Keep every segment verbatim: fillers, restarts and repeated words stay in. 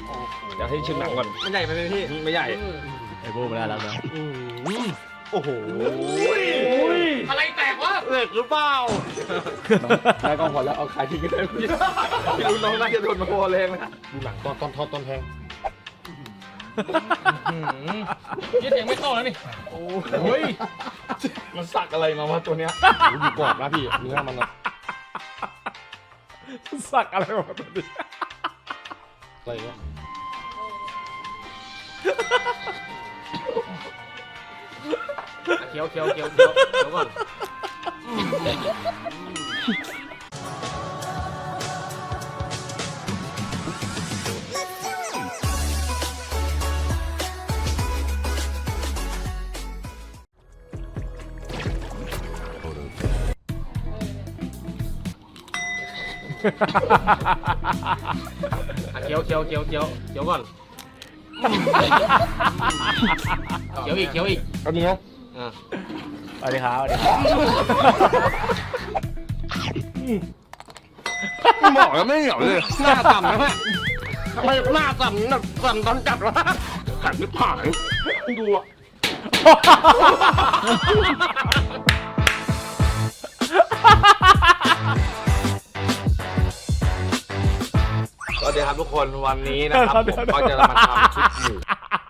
อยากให้ชิมหนังก่อนไม่ใหญ่ไปเลยพี่ไม่ใหญ่ไอ้โบ้ไม่ได้แล้วนะโอ้โหอะไรแตกวะเหล็กหรือเปล่าได้กองพอแล้วเอาขายทิ้งกันเลยพี่พี่รู้น้องน่าจะโดนมาโคแรงนะดูหนังตอนตอนทอดตอนแทงยี่เสียงไม่เข้าแล้วนี่โอ้ยมันสักอะไรมาวะตัวเนี้ยอยู่กรอบนะพี่เนื้อมันสักอะไรมาตัวนี้อะไรเงี้ยเคี้ยวเคี้ยวเคี้ยวเคี้ยวเคี้ยวก่อนเคี้ยวเคี้ยวเคี้ยวเคี้ยวเคี้ยวก่อนเคี้ยวอีกเคี้ยวอีกเอาดีนะอ่าสวัสดีครับสวัสดีครับหมอแล้วไม่เหนียวเลยหน้าต่ำนะแม่ทำไมหน้าต่ำแบบต่ำตอนจัดวะขันไม่ผ่านดูอ่ะสวัสดีครับทุกคนวันนี้นะครับผมก็จะมาทำคลิปหมู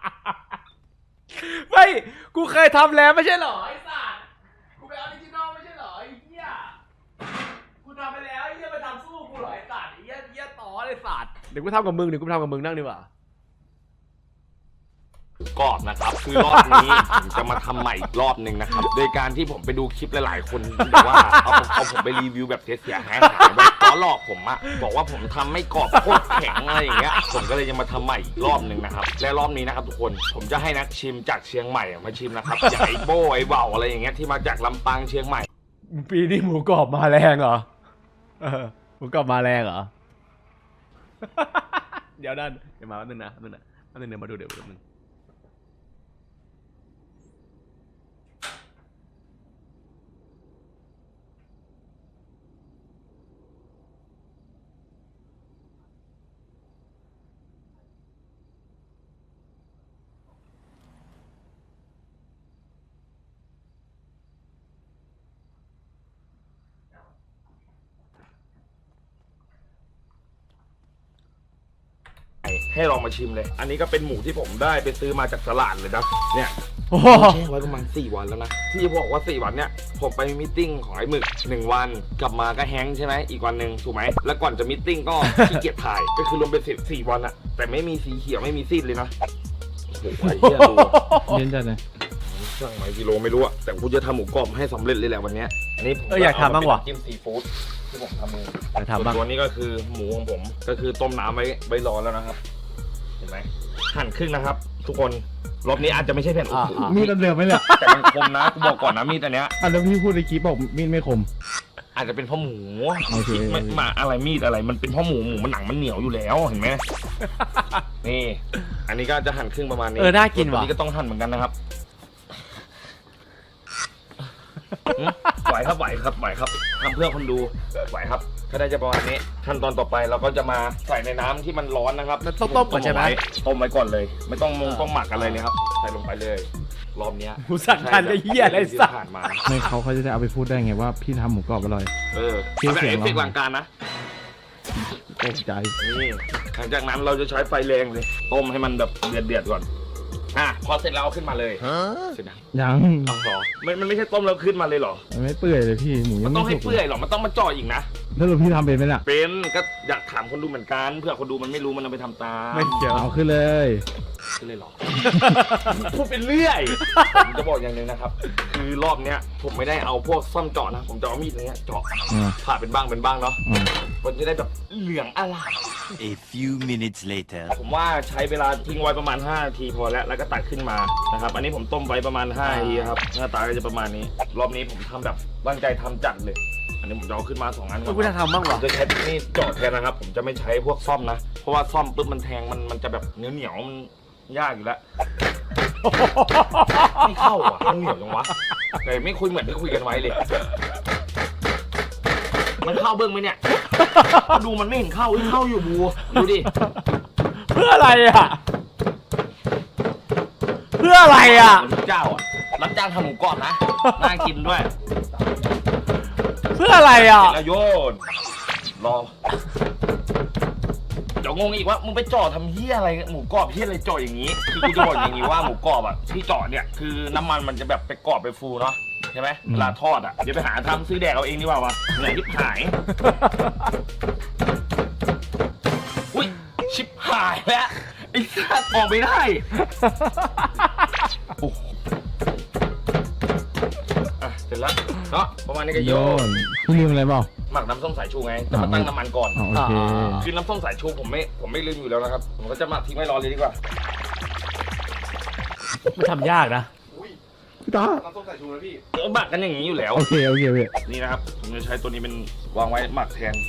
ไม่กูเคยทำแล้วไม่ใช่เหรอไอ้สัตว์กูเป็นออริจินอลไม่ใช่เหรอไอ้เหี้ยกูทำไปแล้วไอ้เหี้ยมาทำสู้กูเหรอไอ้สัตว์ไอ้เหี้ยเหี้ยต่อไอ้สัตว์เดี๋ยวกูทำกับมึงเดี๋ยวกูทำกับมึงนั่งดีกว่ากรอบนะครับคือรอบนี้ผมจะมาทำใหม่อีกรอบหนึ่งนะครับโดยการที่ผมไปดูคลิปหลายๆคนบอกว่าเอาเอาผมไปรีวิวแบบเสียหายหายแบบล้อหลอกผมอะบอกว่าผมทำไม่กรอบโคตรแข็งอะไรอย่างเงี้ยผมก็เลยจะมาทำใหม่อีกรอบหนึ่งนะครับและรอบนี้นะครับทุกคนผมจะให้นักชิมจากเชียงใหม่มาชิมนะครับอย่างไอ้โบ้ไอ้เบาอะไรอย่างเงี้ยที่มาจากลำปางเชียงใหม่ปีนี้หมูกรอบมาแรงเหรอเออหมูกรอบมาแรงเหรอเดี๋ยวนั่นเดี๋ยวมาแป๊บนึงนะแป๊บนึงนะแป๊บนึงเดี๋ยวมาดูเดี๋ยวแป๊บนึงให้ลองมาชิมเลยอันนี้ก็เป็นหมูที่ผมได้ไปซื้อมาจากตลาดเลยนะเนี่ยแช่ไว้ประมาณสี่วันแล้วนะที่บอกว่าสี่วันเนี่ยผมไปมิทติ้งของไอ้หมึกหนึ่งวันกลับมาก็แฮงใช่ไหมอีกวันหนึ่งถูกไหมแล้วก่อนจะมิทติ้งก็ขี้เกียจถ่ายก็คือรวมเป็นสิบสี่วันอะแต่ไม่มีสีเขียวไม่มีซีดเลยนะโอ้โหไอ้เหี้ยดูเย็นจัดเลยช่างไหมกิโลไม่รู้อะแต่กูจะทำหมูกรอบให้สำเร็จเลยแหละวันนี้อันนี้เอออยากทำบ้างวะจิ้มซีฟู้ดที่ผมทำเองอยากทำบ้างตัวนี้ก็คือหมูของผมก็คือต้มน้ำไว้ไว้รอแล้วนะครับเห็นไหมหั่นครึ่งนะครับทุกคนรอบนี้อาจจะไม่ใช่แผ่นมีดเดิมไหมเนี่ยแต่มันคมนะกูบอกก่อนนะมีดอันเนี้ยอันแล้วพี่พูดในคลิปบอกมีดไม่คมอาจจะเป็นเพราะหมูไม่มาอะไรมีดอะไรมันเป็นเพราะหมูหมูมันหนังมันเหนียวอยู่แล้วเห็นไหมนี่อันนี้ก็จะหั่นครึ่งประมาณนี้เออน่ากินว่ะอันนี้ก็ต้องหั่นเหมือนกันนะครับไหวครับไหวครับไหวครับทำเพื่อคนดูไหวครับก็ได้จะประมาณนี้ขั้นตอนต่อไปเราก็จะมาใส่ในน้ำที่มันร้อนนะครับต้องต้มก่อนใช่ไหมต้มไว้ก่อนเลยไม่ต้องมงต้องหมักอะไรเลยครับใส่ลงไปเลยรอบนี้กูสั่งทานไอ้เหี้ยอะไรสักไม่เขาเขาจะได้เอาไปพูดได้ไงว่าพี่ทำหมูกรอบอร่อยเออเอาแบบเอฟเฟกต์หลังการนะตกใจนี่หลังจากนั้นเราจะใช้ไฟแรงเลยต้มให้มันแบบเดือดเดือดก่อนอ่ะพอเสร็จแล้วเอาขึ้นมาเลยเสร็จยังเอาหรอมันมันไม่ใช่ต้มแล้วขึ้นมาเลยหรอมันไม่เปื่อยเลยพี่หมูมันต้องให้เปื่อยหรอมันต้องมาจ่ออีกนะแล้วพี่ทำเป็นไหมล่ะเป็นก็อยากถามคนดูเหมือนกันเพื่อคนดูมันไม่รู้มันเอาไปทำตามไม่เกี่ยวเอาขึ้นเลยขึ้นเลยหรอพูดเป็นเรื่อยผมจะบอกอย่างนึงนะครับคือรอบเนี้ยผมไม่ได้เอาพวกซ่อมเจาะนะผมจะเอามีดเนี้ยเจาะผ่าเป็นบ้างเป็นบ้างเนาะมันจะได้แบบเหลืองอร่าม A few minutes later ผมว่าใช้เวลาทิ้งไว้ประมาณห้านาทีพอแล้วแล้วก็ตักขึ้นมานะครับอันนี้ผมต้มไว้ประมาณห้านาทีครับหน้าตาก็จะประมาณนี้รอบนี้ผมทำแบบตั้งใจทำจัดเลยอันนี้ผมจะเอาขึ้นมาสองอันก่อนกูจะทำบ้างวะจะใช้นี่เจาะแทนนะครับผมจะไม่ใช้พวกซ่อมนะเพราะว่าซ่อมปุ๊บมันแทงมันมันจะแบบเหนียวเหนียวมันยากอยู่แล้วไม่เข้าอ่ะมันเหนียวจังวะแต่ไม่คุยเหมือนที่คุยกันไว้เลยมันเข้าเบิ้งไหมเนี่ยดูมันไม่เห็นเข้าเข้าอยู่บูดูดิพื่ออะไรอ่ะเพื่ออะไรอ่ะเหมือนเจ้าอ่ะรับจ้างทำหมูกรอบนะน่ากินด้วยเพื่ออะไรอ่ะแล้วโยนรอเดี๋ยวงงอีกว่ามึงไปเจาะทำเหี้ยอะไรหมูกรอบเหี้ยอะไรเจาะอย่างนี้คือกูจะบอกอย่างนี้ว่าหมูกรอบอ่ะที่เจาะเนี่ยคือน้ำมันมันจะแบบไปกรอบไปฟูเนาะใช่ไหมเวลาทอดอ่ะเดี๋ยวไปหาทำซื้อแดกเอาเองดีกว่าวะเหนื่อยชิบหายอุ้ยชิบหายแล้วไอ้สัตว์ออกไม่ได้โอ้โหอ่ะเสร็จแล้วเนาะประมาณนี้ก็โยโยนนพี่ลืมอะไรเปล่าหมักน้ำส้มสายชูไงแต่มาตั้งน้ำมันก่อนอ๋อโอเคคือน้ำส้มสายชูผมไม่ผมไม่ลืมอยู่แล้วนะครับผมก็จะหมักทิ้งไว้รอเลยดีกว่ามันทำยากนะพี่ตาน้ำส้มสายชูนะพี่เออหมักกันอย่างนี้อยู่แล้วโอเคโอเคโอเคนี่นะครับผมจะใช้ตัวนี้เป็นวางไว้หมักแทน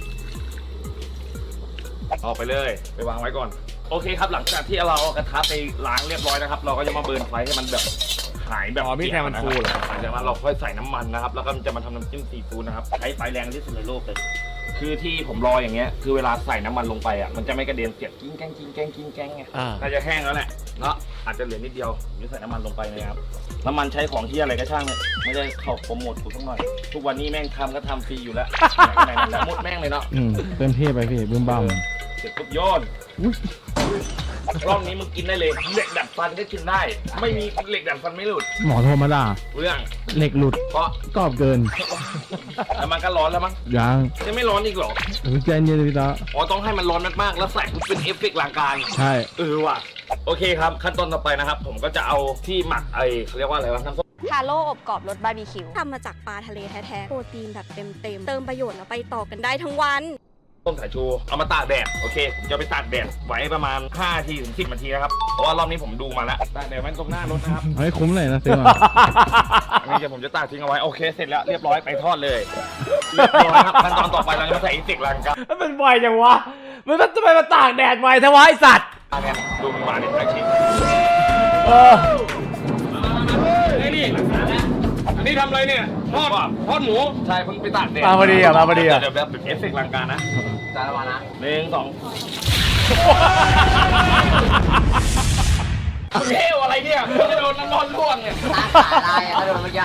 เอาไปเลยไปวางไว้ก่อนโอเคครับหลังจากที่เราเอากระทะไปล้างเรียบร้อยนะครับ เราก็จะมาเบิร์นไฟให้มันแบบหายแบบอ๋อมีแทนมันฟูเหรอหลังจากนั้นเราค่อยใส่น้ำมันนะครับแล้วก็จะมาทำน้ำจิ้มซีฟู้ดนะครับใช้ไฟแรงที่สุดในโลกเลยคือที่ผมรออย่างเงี้ยคือเวลาใส่น้ำมันลงไปอ่ะมันจะไม่กระเด็นเสียบกิ้งแกงกิ้งแกงกิ้งแกงไงอ่าน่าจะแห้งแล้วแหละเนาะอาจจะเหลือนิดเดียวผมจะใส่น้ำมันลงไปนะครับน้ำมันใช้ของที่อะไรก็ช่างเลยไม่ได้เข้าโปรโมทกูสักหน่อยทุกวันนี้แม่งทำก็ทำฟรีอยู่แล้วไหนๆแล้วหมดแม่งเลยเนาะอืมเต็มที่ไปพี่บึ้มบ้ามเสร็จปุ๊บโยนรอบนี้มึงกินได้เลยเหล็กดัดฟันก็กินได้ ไม่มีเหล็กดัดฟันไม่หลุดหมอโทรมาด่าเรื่องเหล็กหลุดเพราะกรอบเกินแล้วมันก็ร้อนแล้วมั้งยังจะไม่ร้อนอีกเหรอโอ้ยใจเย็นเลยพี่ตาอ๋อต้องให้มันร้อนมากๆแล้วใส่ปุ๊บเป็นเอฟเฟกต์ลางการใช่เออว่ะโอเคครับขั้นตอนต่อไปนะครับ ผมก็จะเอาที่หมักไอเขาเรียกว่าอะไรวะน้ำส้มทาโร่อบกรอบรสบาร์บีคิวทำมาจากปลาทะเลแท้ๆ โปรตีนแบบเต็มๆ เติมประโยชน์แล้วไปต่อกันได้ทั้งวันต้มสายชูเอามาตากแดดโอเคผมจะไปตากแดดไว้ประมาณห้านาทีถึงสิบนาทีนะครับเพราะว่ารอบนี้ผมดูมาแล้วตากแดดไว้ตรงหน้ารถนะครับเอาให้คุ้มเลยนะซื้อมาอันนี้เดี๋ยวผมจะตากทิ้งเอาไว้โอเคเสร็จแล้วเรียบร้อยไปทอดเลยเรียบร้อยครับขั้นตอนต่อไปเราจะใส่อีกสิกลังกันมันไวจังวะมันทำไมมาตากแดดไวทวะไอสัตว์เนี่ยดูมันมาเนี่ยชิ้นเออไอ้นี่อันนี้ทำอะไรเนี่ยทอดทอดหมูใช่เพิ่งไปตากแดดมาพอดีอ่ะมาพอดีอ่ะเดี๋ยวแบบเอฟเฟกต์ลังการนะจานละวันนะหนึ่งสองเที่ยวอะไรเนี่ยไม่ได้โดนน้ำร้อนลวกเนี่ยตาขาลายอะถ้าโดนเมื่อกี้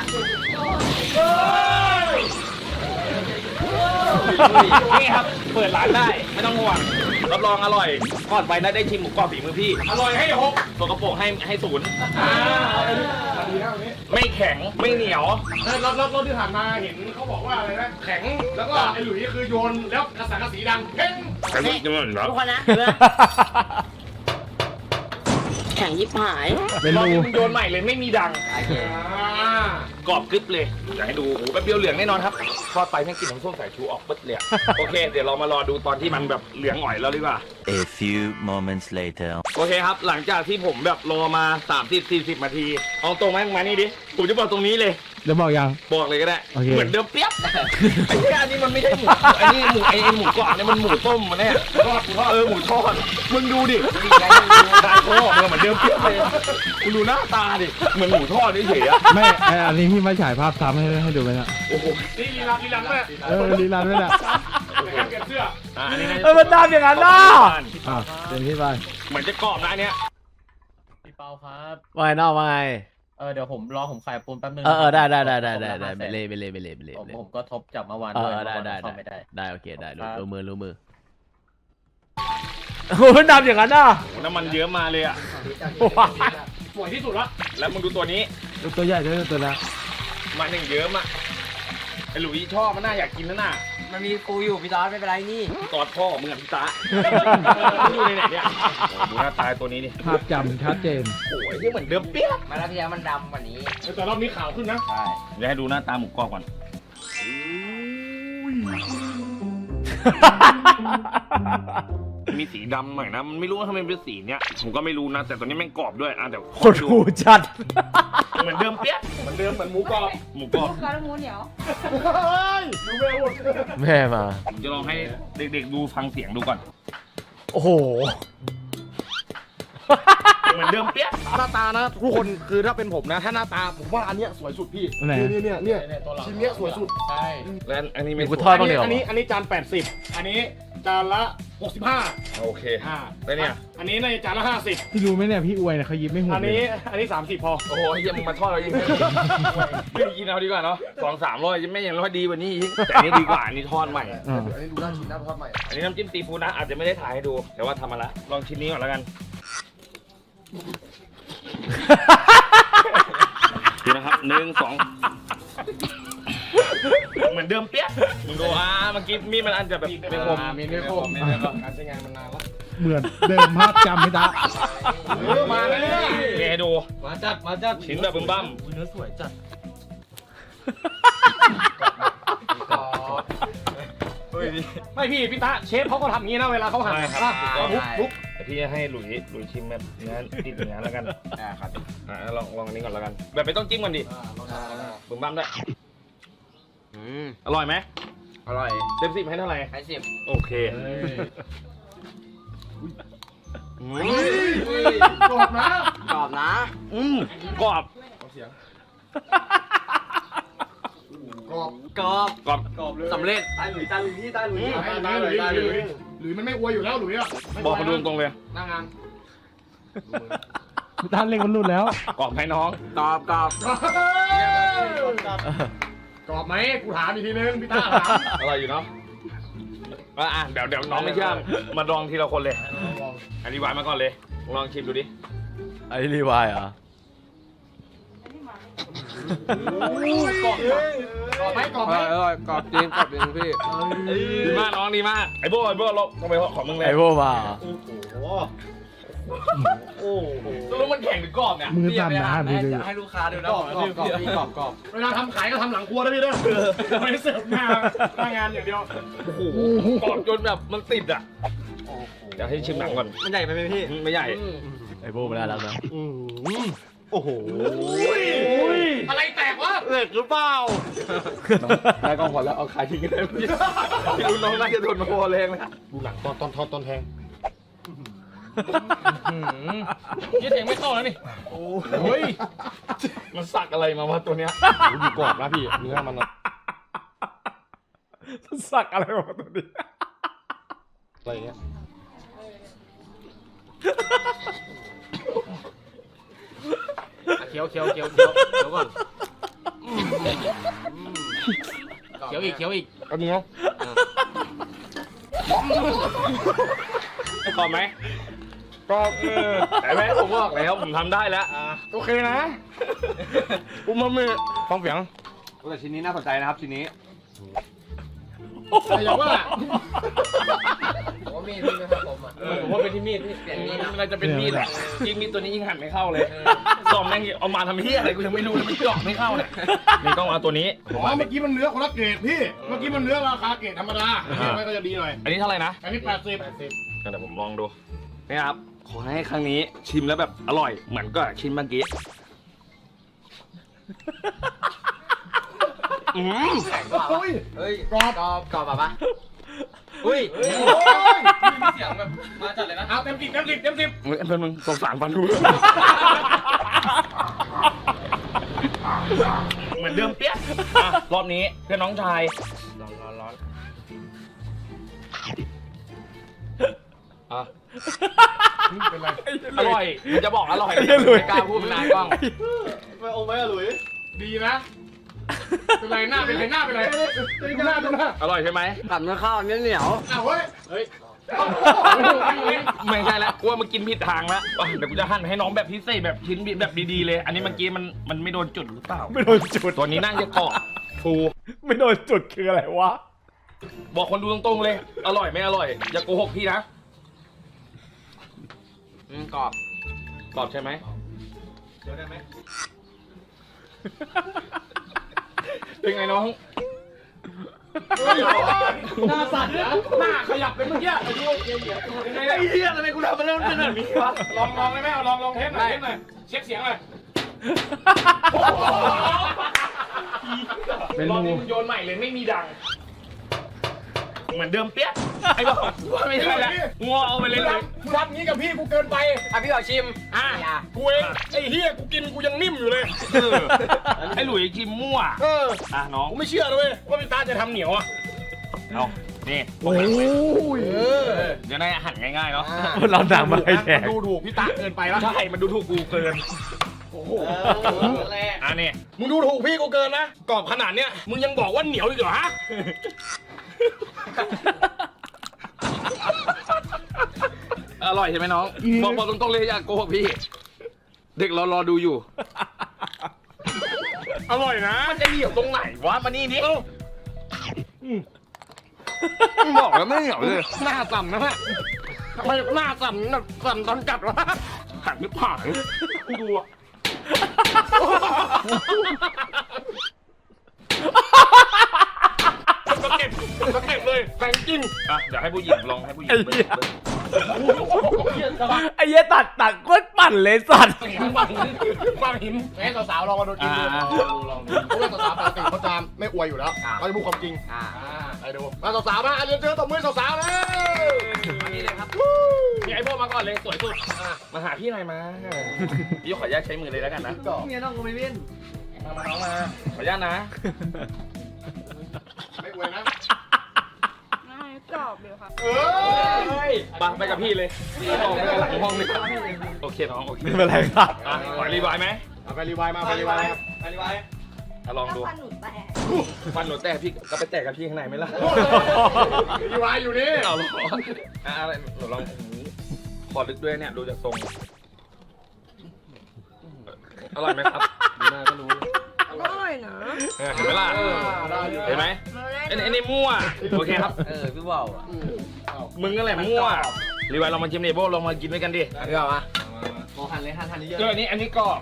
นี่ครับเปิดร้านได้ไม่ต้องห่วงรับรองอร่อยก่อนไปนะได้ชิมหมูกรอบฝีมือพี่อร่อยให้หกตัวกระโปรงให้ให้ศูนย์ไม่แข็งไม่เหนียวรอบรอบรอบที่ผ่านมาเห็นเขาบอกว่าอะไรนะแข็งแล้วก็ไอ้หลุยคือโยนแล้วกระสังกระสีดังเพ่งใครรู้จักมั้งเหรอทุกคนนะแข่งยิบหายเป็นรอบรูนี้มึงโยนใหม่เลยไม่มีดังอ่ากรอบกรึบเลยอยากให้ดูโอ้โหแป๊บเดียวเหลืองแน่นอนครับทอดไปแม่งกลินน้ำส้มสายชูออกปึ๊ดเลยอะโอเค เดี๋ยวเรามารอดูตอนที่มันแบบเหลืองอ่อยแล้วดีกว่า A few moments later. โอเคครับ หลังจากที่ผมแบบรอมาสามสิบสี่สิบนาทีเอาตรงไหมมานี่ดิผมจะบอกตรงนี้เลยเดี๋ยวบอกยังบอกเลยก็ได้โอเคเหมือนเดิมเปียบไอ้ที่อันนี้มันไม่ใช่หมูไอ้นี่หมูไอ้ไอ้หมูกรอบเนี่ยมันหมูต้มมันเนี่ยทอดทอดเออหมูทอดมึงดูดิได้โค้เหมือนเดิมเปียบเลยมึงดูหน้าตาดิเหมือนหมูทอดเฉยๆอะไม่ไอ้อันนี้พี่มาฉายภาพซ้ำให้ให้ดูไหมนะโอ้โหนี่ลีลาลีลาด้วยเออลีลาด้วยนะในการเปลี่ยนเสื้ออ่ะอันนี้น่าจะเออมันดำอย่างนั้นน่ะอ่ะเต็มที่ไปเหมือนจะกรอบนะอันเนี้ยพี่เปาครับว่าไงนอกว่าไงเออเดี๋ยวผมรอผมขายปูนแป๊บนึงเออเออได้ได้ได้ได้ผมได้ผมได้ละไปห้าแสนเลยไปเลยไปเลยไปเลยผมไปเลยผมก็ทบจากเมื่อวานเอด้วยอได้เมื่อวานได้เข้าได้ไม่ได้ได้โอเคได้รู้ครับรู้มือรู้มือโอ้โหมันดำอย่างนั้นน่ะโอ้น้ำมันเยอะมาเลยอ่ะสวยที่สุดละแล้วมึงดูตัวนี้ดูตัวใหญ่ด้วยตัวละมันอย่างเยอะมากไอ้หลุยชอบมันน่าอยากกินนะน่ะมันมีกูอยู่พี่ตอนไม่เป็นไรนี่ตอดพ่อมึงกับพี่ตาดูในไหนเนี่ยโอ้ดูหน้าตาตัวนี้นี่ภาพจำชัดเจนโอ้ยที่เหมือนเดิมเปี้ยมาแล้วที่แล้วมันดำกว่านี้แต่รอบนี้ขาวขึ้นนะใช่เดี๋ยวให้ดูหน้าตาหมูกรอบก่อนมีสีดำหน่อยนะมันไม่รู้ว่าทำไมเป็นสีเนี้ยผมก็ไม่รู้นะแต่ตัวนี้แม่งกรอบด้วยอ่ะเดี๋ยวโคตรหูจัดเหมือนเดิมเปี้ยเหมือนเดิมเหมือนหมูกรอบหมูกรอบแม่มาผมจะลองให้เด็กๆดูฟังเสียงดูก่อนโอ้โหเหมือนเดิมเปี้ยหน้าตานะทุกคนคือถ้าเป็นผมนะ ถ้าหน้าตาผมว่าอันเนี้ยสวยสุดพี่ไหนเนี่ยเนี่ยเนี่ยชิ้นเนี้ยสวยสุดใช่แล้วอันนี้ไม่กูทอดบ้างเดี๋ยวอันนี้อันนี้จานแปดสิบอันนี้จานละหกสิบห้าโอเคอ่าแล้วเนี่ยอันนี้ในจานละห้าสิบพี่รู้ไหมเนี่ยพี่อวยเนี่ยเขายิ้มไม่หุบอันเลยนี้อันนี้สามสิบพอโอ้โหเยี่ยมงมาทอดเรายิงไม่ได้กินเอาดีกว่าเนาะสองสามร้อยไม่ยังร้อยดีกว่านี้อีกแต่อันนี้ดีกว่าอันนี้ทอดใหม่อ่าอันนี้ดูน่าชิมน่าทอดใหม่อันนี้น้ำจิ้มซีฟู้ดนะอาจจะไม่ได้ถ่ายให้ดู แต่ว่าทำมาละลองชิ้นนี้ก่อนแล้วกันดูนะครับหนึ่งสองเหมือนเดิมเปี้ยมึงดูอ่าเมื่อกี้มีดมันอันจะแบบไม่คมมีไม่คมการใช้งานมันนานแล้วเหมือนเดิมภาพจำไม่ได้มาแล้วเนี่ยแกดูมาจัด มาจัดชิ้นแบบบึ้มบั้มอุ้ยเนื้อสวยจัดไม่พี่พี่ตาเชฟเขาก็ทำอย่างนี้นะเวลาเขาหั่นใช่ครับอ่ะทุบทุบแต่พี่จะให้หลุยหลุยชิมแบบเนื้อติดเนื้อแล้วกันอ่าครับอ่าลองลองอันนี้ก่อนแล้วกัน แบบไม่ต้องจิ้มก่อนดิบึ้มบั้มด้วยอืมอร่อยไหมอร่อยเต็มสิบให้เท่าไหร่ให้สิบโอเคอืมกรอบนะกรอบนะอืมกรอบกรอบกรอบกรอบสำเร็จตายหลุยตายหลุยนี่ตายหลุยตายตายหลุยตายหลุยหลุยมันไม่อวยอยู่แล้วหลุยอ่ะไม่บอกคนดูตรงๆเลยหน้างานพี่ตาเล่งมันหลุดแล้วกรอบไหมน้องกรอบกรอบกรอบไหมกูถามอีกทีนึงพี่ตาถามอร่อยอยู่เนาะอ่ะอ่ะเดี๋ยวเดี๋ยวน้องไม่เชื่อมาลองทีละคนเลยอันนี้วายมาก่อนเลยลองชิมดูดิไอ้รีวายเหรอ่ะกรอบกรอบไหมกรอบไหมอร่อยกรอบจริงกรอบจริงพี่ดีมากน้องดีมากไอ้โบ้ไอ้โบ้ลงต้องไปขอมึงเลยไอ้พวกมาเหรอแล้วมันแข็งหรือกรอบเนี่ยมือสั่นนะหันไปดูให้ลูกค้าดูนะกรอบกรอบกรอบกรอบกรอบเวลาทำขายก็ทำหลังครัวนะพี่เด้อไม่ได้เสิร์ฟหน้าหน้างานอย่างเดียวโอ้โหกรอบจนแบบมันติดอ่ะเดี๋ยวให้ชิมหนังก่อนมันใหญ่ไปไหมพี่ไม่ใหญ่ไอ้พวกมันน่ารักนะโอ้โหอะไรแตกวะเล็กหรือเปล่าได้กองขอแล้วเอาขายทิ้งกันได้พี่พี่รู้น้องน่าจะโดนมาโคแรงนะดูหนังตอนตอนทอดตอนแทงยี่เสียงไม่เข้าแล้วนี่เฮ้ยมันสักอะไรมาวะตัวเนี้ยดูกรอบนะพี่เนื้อมันสักอะไรมาตัวนี้อะไรเงี้ยเคี้ยวเคี้ยวเคี้ยวเคี้ยวเคี้ยวก่อนเคี้ยวอีกเคี้ยวอีกเอาเนื้อ กรอบไหมกรอบเออแต่แม่ผมบอกแล้วผมทำได้แล้วโอเคนะอุ้มมามือฟังเสียงแต่ชิ้นนี้น่าสนใจนะครับชิ้นนี้แต่อย่างว่าผมว่ามีดพี่ไม่ครับผมอ่ะเออผมว่าเป็นที่มีดพี่เปลี่ยนมีดนะมันน่าจะเป็นมีดแหละยิ่งมีดตัวนี้ยิ่งหั่นไม่เข้าเลยซอมแม่งเอามาทำเหี้ยอะไรกูยังไม่รู้เลยมันเจาะไม่เข้าเนี่ยนี่ต้องเอาตัวนี้อ๋อเมื่อกี้มันเนื้อคนละเกรดพี่ เมื่อกี้มันเนื้อราคาเกรดธรรมดาเนี่ยมันก็จะดีหน่อยอันนี้เท่าไหร่นะอันนี้แปดสิบเดี๋ยวผมลองดูนี่ครับขอให้ครั้งนี้ชิมแล้วแบบอร่อยเหมือนก็ชิมเมื่อกี้อืมโอ้ยเฮ้ยกรอบกรอบกรอบแบบปะอุ้ยโอ้ยมีเสียงแบบมาจัดเลยนะเอาเต็มสิบเต็มสิบเต็มสิบเฮ้ยเป็นมึงสงสารฟันดูเหมือนเดิมเปี้ยอ่ะรอบนี้เพื่อนน้องชายร้อนร้อนร้อนอ่ะเป็นไรอร่อยมันจะบอกอร่อยไม่กล้าพูดมันนานกล้องไม่โอ้ไม่อะหลุยดีนะ เป็นไรหน้าเป็นไรหน้าเป็นไรดูหน้าดูหน้าอร่อยใช่ไหมกัดเนื้อข้าวเหนียวเหนียวอ้าวเฮ้ย เฮ้ยไม่ใช่แล้วกูว่ามึงกินผิดทางแล้วอ่ะเดี๋ยวกูจะหั่นให้น้องแบบพิเศษแบบชิ้นแบบดีๆเลย อันนี้เมื่อกี้มันมันไม่โดนจุดหรือเปล่าไม่โดนจุดตัวนี้น่าจะเกาะฟูไม่โดนจุดคืออะไรวะบอกคนดูตรงๆเลย อร่อยไม่อร่อย อย่าโกหกพี่นะอืมกรอบกรอบใช่ไหมเดี๋ยวได้ไหมเป็นไงน้องหน้าสั่นนะหน้าขยับเป็นเมื่อกี้อายุเย็นเหี่ยยังไงไอ้เหี้ยทำไมกูทำมาแล้วมันเป็นแบบนี้วะลองลองได้ไหมเอาลองลองเทสหน่อยเทสหน่อยเช็คเสียงหน่อยเป็นรอบรูนี้มึงโยนใหม่เลยไม่มีดัง เหมือนเดิมเปี้ยไอ้บอกว่าไม่ใช่แล้วงัวเอาไปเลยเลยมึงทำงี้กับพี่กูเกินไปอ่ะพี่ขอชิมอ่ะอย่ากูเองไอ้เฮียกูกินกูยังนิ่มอยู่เลยเออไอ้หลุยกิมมั่วเอออ่ะน้องกูไม่เชื่อเลยว่าพี่ตาจะทำเหนียวอ่ะเอานี่โอ้ยจะได้หั่นง่ายๆเนาะเราดังมาให้แดกดูถูกพี่ตาเกินไปแล้วใช่มันดูถูกกูเกินโอ้โหอันนี้มึงดูถูกพี่กูเกินนะกรอบขนาดเนี้ยมึงยังบอกว่าเหนียวอีกเหรอฮะอร่อยใช่ไหมน้องบอกบอกตรงๆเลยอย่าโกหกพี่ เด็กเรารอดูอยู่อร่อยนะมันจะเหนียวตรงไหนวะมานี่นี่บอกแล้วไม่เหนียวเลยหน้าสั่นนะฮะทำไมหน้าสั่นแบบสั่นตอนกัดวะหันไม่ผ่านดูอะก็เก็บก็เก็บเลยแฟงกิ้งอ่ะเดี๋ยวให้ผู้หญิงลองให้ผู้หญิงไอ้เบิ่งเหี้ยเบิ่งไอ้เหี้ยตัดตัดโคตรปั่นเลยสัตว์บางหินแม่สาวๆลองมาดูกินดูอ่าลองดูเพราะว่าสาวๆปกติเขาจะไม่อวยอยู่แล้วเขาจะพูดความจริงอ่าไปดูมาสาวๆมาเรียนเจอตบมือสาวๆเลยอันนี้เลยครับนี่ไอ้พวกมาก่อนเลยสวยสุดอ่ะมาหาพี่หน่อยมาพี่ขออนุญาตใช้มือเลยแล้วกันนะเมียน้องก็ไม่เว้นมามาน้องมาขออนุญาตนะไม่อวยนะกรอบเดียวค่ะเอ้ยไปไปกับพี่เลยพี่ห้องไปหลังห้องเลยโอเคน้องโอเคไม่เป็นไรครับอ่ะขอรีไวล์ไหมเอาไปรีไวล์มาไปรีไวล์ครับไปรีไวล์อ่ะลองดูฟันหนูแตกฟันหนูแตกพี่ก็ไปแตกกับพี่ข้างในไหมล่ะรีไวล์อยู่นี่เอาหรออ่ะอะไรหนูลองอย่างนี้ขอลึกด้วยเนี่ยดูจากทรงอร่อยไหมครับดูหน้าก็รู้อร่อยนะเออเห็นไหมล่ะเห็นไหมไอ้นี่ไอ้นี่มั่วโอเคครับเออพี่ว่าวอ่ะมึงก็แหละมั่วรีไวล์ลองมาชิมเนโบลองมากินด้วยกันดิพี่ว่าวอ่ะโมหันเลยหันหันเยอะเจออันนี้อันนี้กรอบ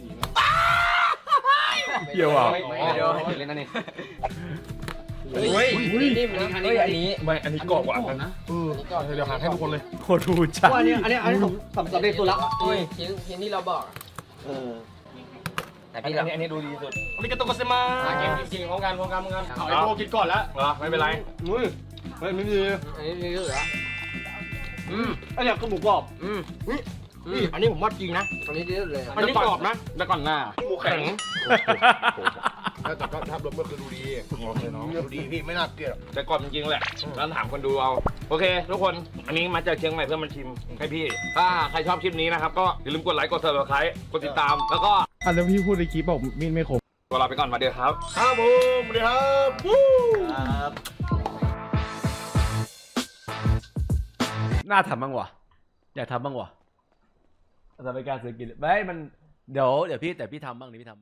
เหี้ยว่ะเดี๋ยวให้เล่นนั่นนี่เฮ้ยนิ่มนะเฮ้ยอันนี้ไม่อันนี้กรอบกว่าอันนั้นเออเดี๋ยวหาให้ทุกคนเลยโคตรดูจัดอันนี้อันนี้อันนี้ผมสำเร็จสุดแล้วเฮ้ยชิ้นชิ้นที่เราบอกเออแต่อันพี่นี้เราอันนี้อันนี้ดูดีสุดอันนี้ก็ต้องกเซมากินกินพร้อมกันพร้อมกันพร้อมกันเอาไอ้โบกินก่อนแล้วเหรอไม่เป็นไรอุ้ยเฮ้ยไม่ดีอันนี้นี่เหลืออืมไอ้เนี่ยคือหมูกรอบอืมนี่อันนี้ผมว่าจริงนะอันนี้ดีสุดเลยอันนี้กรอบนะแล้วก่อนหน้าหมูแข็งแต่ก็ถ้ารวมก็คือดูดีดูดีพี่ไม่น่าเกลียดแต่กรอบจริงๆแหละแล้วถามคนดูเอาโอเค ทุกคนอันนี้มาจากเชียงใหม่เพื่อมาชิมให้พี่ถ้าใครชอบคลิปนี้นะครับก็อย่าลืมกดไลค์กดซับสไครต์กดติดตามแล้วก็อันแล้วพี่พูดในคลิปบอกมีดไม่คมตัวลาไปก่อนมาเดี๋ยวครับครับผมสวัสดีครับวู้น่าทำบ้างวะอยากทำบ้างวะแต่เป็นการซื้อกินไม่มันเดี๋ยวเดี๋ยวพี่แต่พี่ทำบ้างเดี๋ยวพี่ทำ